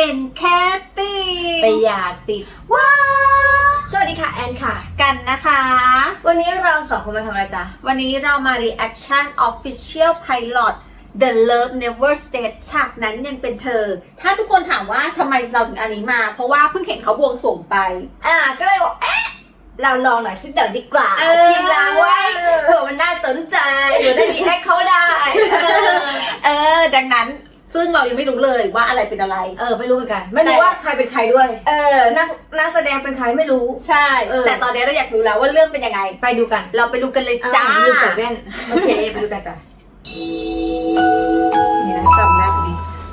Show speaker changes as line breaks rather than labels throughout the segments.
เป็นแค่ติด
แต่อย่าติด
ว้า
สวัสดีค่ะแอนค่ะ
กันนะคะ
วันนี้เราสองคนมาทำอะไรจ๊ะ
วันนี้เรามา reaction official pilot The Love Never Stayed ฉากนั้นยังเป็นเธอถ้าทุกคนถามว่าทำไมเราถึงอันนี้มาเพราะว่าเพิ่งเห็นเขาบวงสรวงไป
ก็เลยบอกเราลองหน่อยสักเดี๋ยวดีกว่าชิมลางไว้เผื่อมันน่าสนใจเผื่อได้ดีแฮกเขาได้
ดังนั้นซึ่งเรายังไม่รู้เลยว่าอะไรเป็นอะไร
ไม่รู้เหมือนกันไม่รู้ว่าใครเป็นใครด้วยนักแสดงเป็นใครไม่รู้
ใช่แต่ตอนนี้เราอยากรู้แล้วว่าเรื่องเป็นยังไง
ไปดูกัน
เราไปดูกันเลยจ้า
ดูใส่แว่นโอเคไปดูกันจ้ะ
นี่นะจำได้พอดี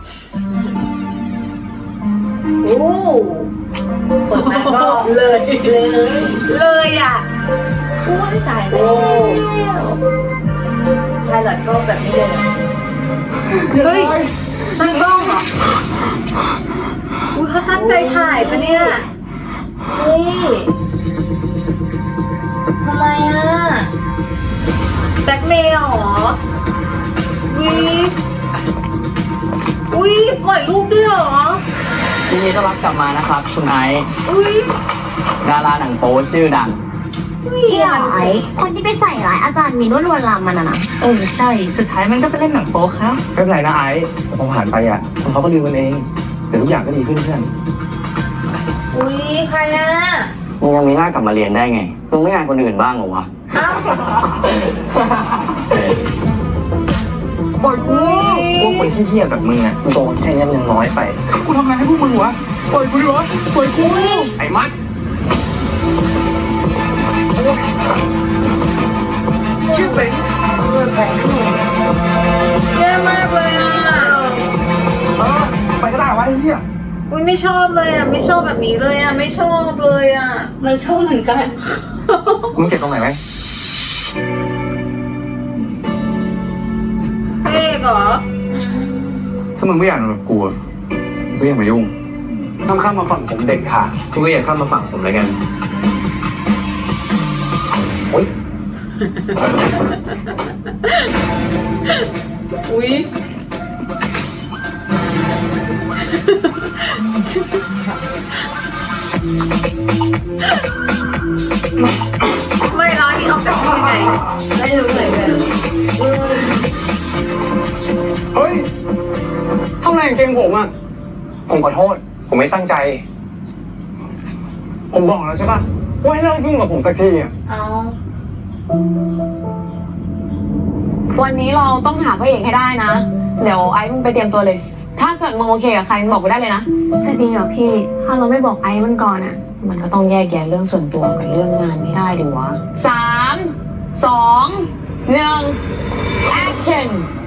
โอ้เปิดมาก็
เลยอ่ะ
อุ้ยตายแล้วไพลอตก็แบบนี้เลย
เฮ้ยตั้งกล้องเหรออุ้ยเขาตั้งใจถ่ายปะเนี่ย
เฮ้ยทำไม
แบล็คเมย์หรออุ้ยปล่อยรูปด้วยหรอ
ยินดีต้อนรับกลับมานะครับคุณไอซ์ดาราหนังโป๊ชื่อดัง
ที่ไอ้คนที่ไปใส่ร้ายอาจารย์มีนวดลวนลามมันนะ
ใช่สุดท้ายมันก็ไปเล่นหนังโป๊ครับ
ไม่เป็นไรนะไอซ์พอผ่านไปคนเขาก็ลืมกันเองแต่ทุกอย่างก็ดีขึ้นเพื่อน
อุ้ยใคร
มึงยังมีหน้ากลับมาเรียนได้ไงมึงไม่งานคนอื่นบ้างเหรอวะ
ปล่อยกูพวกคนขี้เหี้ยแบบมึงโดนแค่นี้มันยังน้อยไปกูทำงานให้พวกมึงวะปล่อยกูดิวะปล่อยกูไอ้มัดชื่อเป็น
แย่มากเลย
ไปก็ได้วะไอ้เหี้ย
อุ้ยไม่ชอบเลยไม่ชอบแบบนี้เลยไม่ชอบเลย
ไม่ชอบเหมือนกัน
มึงเจ็บตรงไหนไหม
เอ๊ะเหรอ
ถ้ามึงไม่อยากนอนกับกูไม่อยากมายุ่งต้องข้ามมาฝั่งผมเด็กค่ะกูก็อยากข้ามมาฝั่งผมเลยกันโอ๊ย
อุ้ยไม่ร้อนที่ออกจากที่ไหน
ไม่รู้เลย
เฮ้ยทำไมเก่งผมผมขอโทษผมไม่ตั้งใจผมบอกแล้วใช่ป่ะว่าให้เลิกยุ่งกับผมสักที
วันนี้เราต้องหาพระเอกให้ได้นะเดี๋ยวไอ้มึงไปเตรียมตัวเลยถ้าเกิดมึงโอเคกับใครมึงบอกกูได้เลยนะจะดีเหรอพี่ถ้าเราไม่บอกไอ้มันก่อนมันก็ต้องแยกแยะเรื่องส่วนตัวกับเรื่องงานไม่ได้ดิวะ3 2 1 action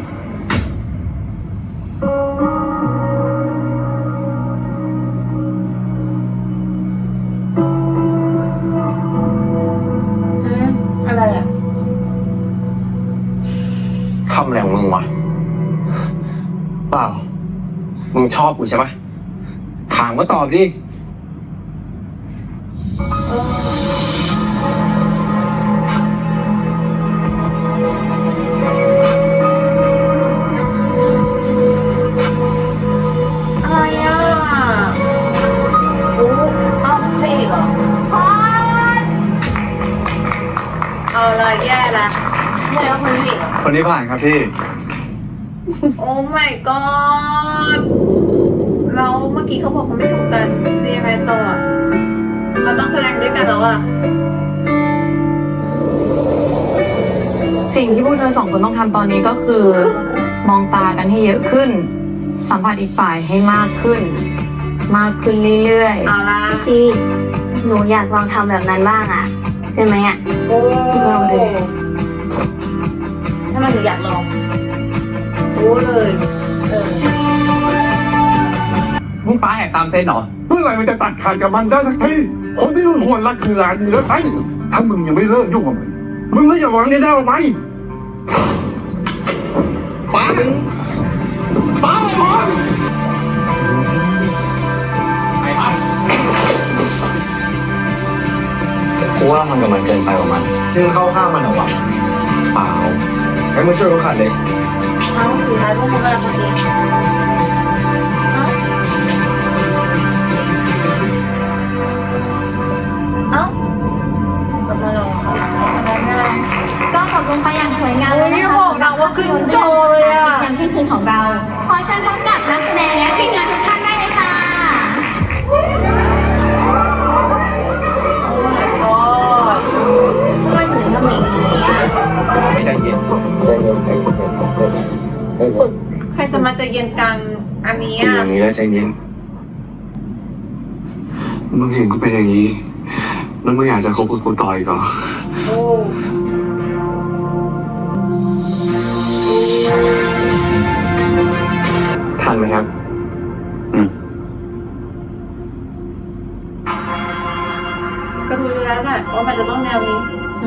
อะไร
ทำอะไรของมึงวะเปล่ามึงชอบกูใช่ปะถามก็ตอบดิ
เอาเลยแย่ละ
คนนี้ผ่านครับพี่
โอ้ my god เราเมื่อกี้เขาบอกเขาไม่ถูกกันเรียกไงต่อเราต้องแสดงด้วยกันแล้ว
สิ่งที่พวกเธอ2 คนต้องทำตอนนี้ก็คือมองตากันให้เยอะขึ้นสัมผัสอีกฝ่ายให้มากขึ้นเรื่อย
ๆเอาละ
พี่หนูอยากลองทำแบบนั้นบ้างได้ไหม
โอ้
ลองดู
ถ้ามันถึงอยากลอง
รู้เลย
มึงป้าแหกตามเส้นเหรอ
เมื่อไหร่มันจะตัดขาดกับมันได้สักทีคนที่รุ่นควรรักคือหลานมึงแล้วไอ้ถ้ามึงยังไม่เลิกยุ่งกับมึงไม่อย่าหวังได้หรือไม่ป้าไปพร้อม
ไอ้มัดกูว่าทำกับมันเกินไปกว่ามัน
ซึ่งเข้าข้างมันเหรอวะเปล่าให้มึงช่วยเขาขัดเลย
สุดท้ายพวกมึงก็รักกันเอง
กันอันนี้
เป็นอย่างนี้แล้วใจเย็นมึงเห็นกูเป็นอย่างนี้ แล้วมึงอยากจะคบกับกูต่ออีกเหรอ
โอ้
ทันไหมครับ
ก็รู้แล้วแหละว่ามันจะต้องแนวนี้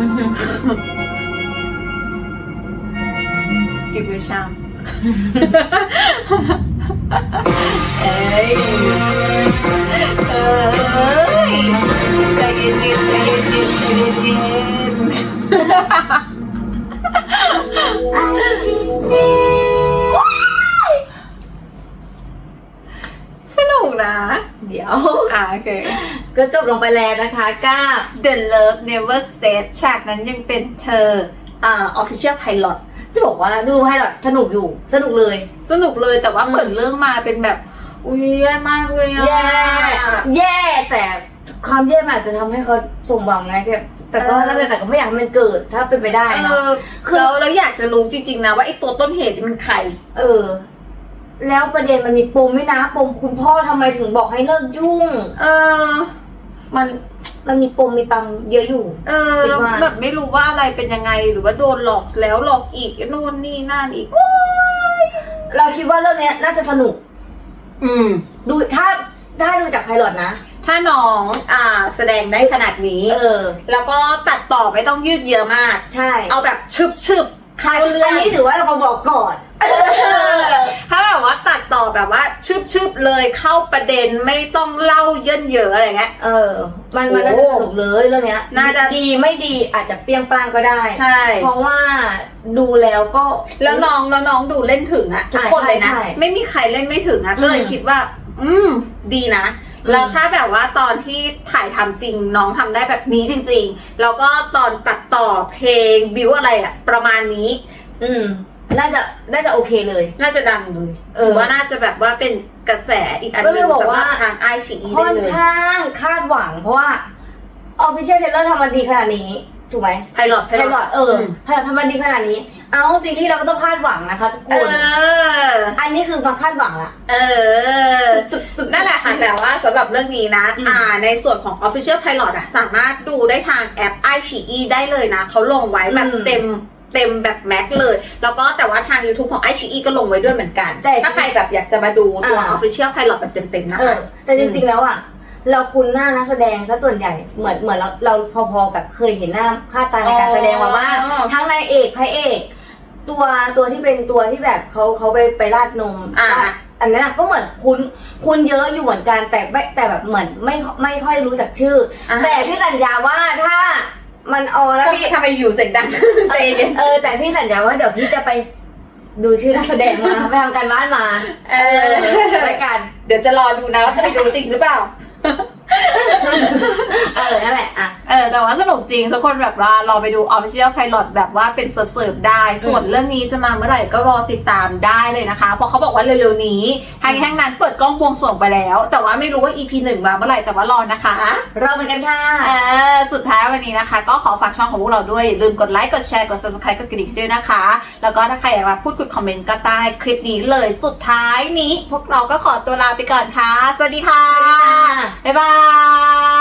กิบวิชามเอ้ยใจเย็นๆใจเย็นๆใจเย็นๆสนุกนะ
เดี๋ยว
โอเค
ก็จบลงไปแล้วนะคะกับ
The Love Never Stayed ฉากนั้นยังเป็นเธอofficial pilot
จะบอกว่าดูให้หรอสนุกอยู่สนุกเลย
สนุกเลยแต่ว่าเปิดเรื่องมาเป็นแบบ อุ้ยแย่มากเลยอะ
แย่แต่ความแย่มันอาจจะทำให้เขาสมหวังไงแต่ก็นั่นแหละแต่ก็ไม่อยากให้มันเกิดถ้าเป็นไปได้เนาะ
แล้วอยากจะรู้จริงๆนะว่าไอ้ตัวต้นเหตุมันใคร
แล้วประเด็นมันมีปมไม่นะปมคุณพ่อทำไมถึงบอกให้เลิกยุ่ง มันมีปมมีปังเยอะอยู่
แล้วแบบไม่รู้ว่าอะไรเป็นยังไงหรือว่าโดนหลอกแล้วหลอกอีกนู่นนี่นั่นอีก
เราคิดว่าเรื่องนี้น่าจะสนุก ดูถ้าดูจากไพลอตนะ
ถ้าน้องแสดงได้ขนาดนี้แล้วก็ตัดต่อไม่ต้องยืดเยื้อมาก
ใช่
เอาแบบชึบเข้าเรื่อง
อันนี้ถือว่าเรามาบอกก่อน
ถ้าแบบว่าตัดต่อแบบว่าชึบเลยเข้าประเด็นไม่ต้องเล่าเยินเยอะอะไรเงี้ย
มันน่าจะสนุกเลยเรื่องเนี้ยน่าจะดีไม่ดีอาจจะเปรี้ยงปร้างก็ได้ใช่เพราะว่าดูแล้วก็
แล้วน้องดูเล่นถึงอะทุกคนเลยนะไม่มีใครเล่นไม่ถึงอะก็เลยคิดว่าดีนะแล้วถ้าแบบว่าตอนที่ถ่ายทำจริงน้องทำได้แบบนี้จริงๆแล้วก็ตอนตัดต่อเพลงบิวอะไรอะประมาณนี้
น่าจะโอเคเลย
น่าจะดังเลยว่าน่าจะแบบว่าเป็นกระแสอีกอันหนึ่งสำหรับทางไอชีอีได้เลยค่อน
ข้างคาดหวังเพราะว่า Official Trailer ทำมาดีขนาดนี้ถูกไหม
ไพลอต
ไพลอตทำมาดีขนาดนี้เอาซีรีส์เราก็ต้องคาดหวังนะคะทุกคนอันนี้คือมาคาดหวังละ
นั่นแหละค่ะแต่ว่าสำหรับเรื่องนี้นะในส่วนของ Official Pilot สามารถดูได้ทางแอป iQIYI ได้เลยนะเขาลงไว้แบบเต็มแบบแม็กเลยแล้วก็แต่ว่าทาง YouTube ของ iQIYI ก็ลงไว้ด้วยเหมือนกันถ้าใครแบบอยากจะมาดูตัว Official Pilot แบบเต็มๆนะคะ
แต่จริงๆแล้วเราคุ้นหน้านักแสดงซะส่วนใหญ่เหมือนเราพอๆแบบเคยเห็นหน้าค่าตาในการแสดงมาว่าทั้งนายเอกพระเอกตัวที่เป็นตัวที่แบบเขาไปราดนมอันนั้นก็เหมือนคุ้นเยอะอยู่เหมือนกันแต่แบบเหมือนไม่ค่อยรู้จักชื่อแต่พี่สัญญาว่าถ้ามันแล้วพี่
ทำไมอยู่เสียงดัง
แต่พี่สัญญาว่าเดี๋ยวพี่จะไปดูชื่อนักแสดงมาไปทำการบ้านมารายการ
เดี๋ยวจะรอดูนะว่าจะไปดูจริงหรือเปล่า
นั่นแหละ
แต่ว่าสนุกจริงทุกคนแบบว่ารอไปดู Official Pilot แบบว่าเป็นเสิร์ฟได้ส่วนเรื่องนี้จะมาเมื่อไหร่ก็รอติดตามได้เลยนะคะเพราะเขาบอกว่าเร็วๆนี้ทางแห่งนั้นเปิดกล้องบวงสรวงไปแล้วแต่ว่าไม่รู้ว่า EP 1มาเมื่อไหร่แต่ว่ารอนะคะ
รอเหมือนกันค่ะ
สุดท้ายวันนี้นะคะก็ขอฝากช่องของพวกเราด้วยอย่าลืมกดไลค์กดแชร์กด Subscribe กดกระดิ่งด้วยนะคะแล้วก็ถ้าใครอยากมาพูดคุยคอมเมนต์ก็ใต้คลิปนี้เลยสุดท้ายนี้พวกเราก็ขอตัวลาไปก่อนค่ะสวัสดีค่ะบ๊ายบาย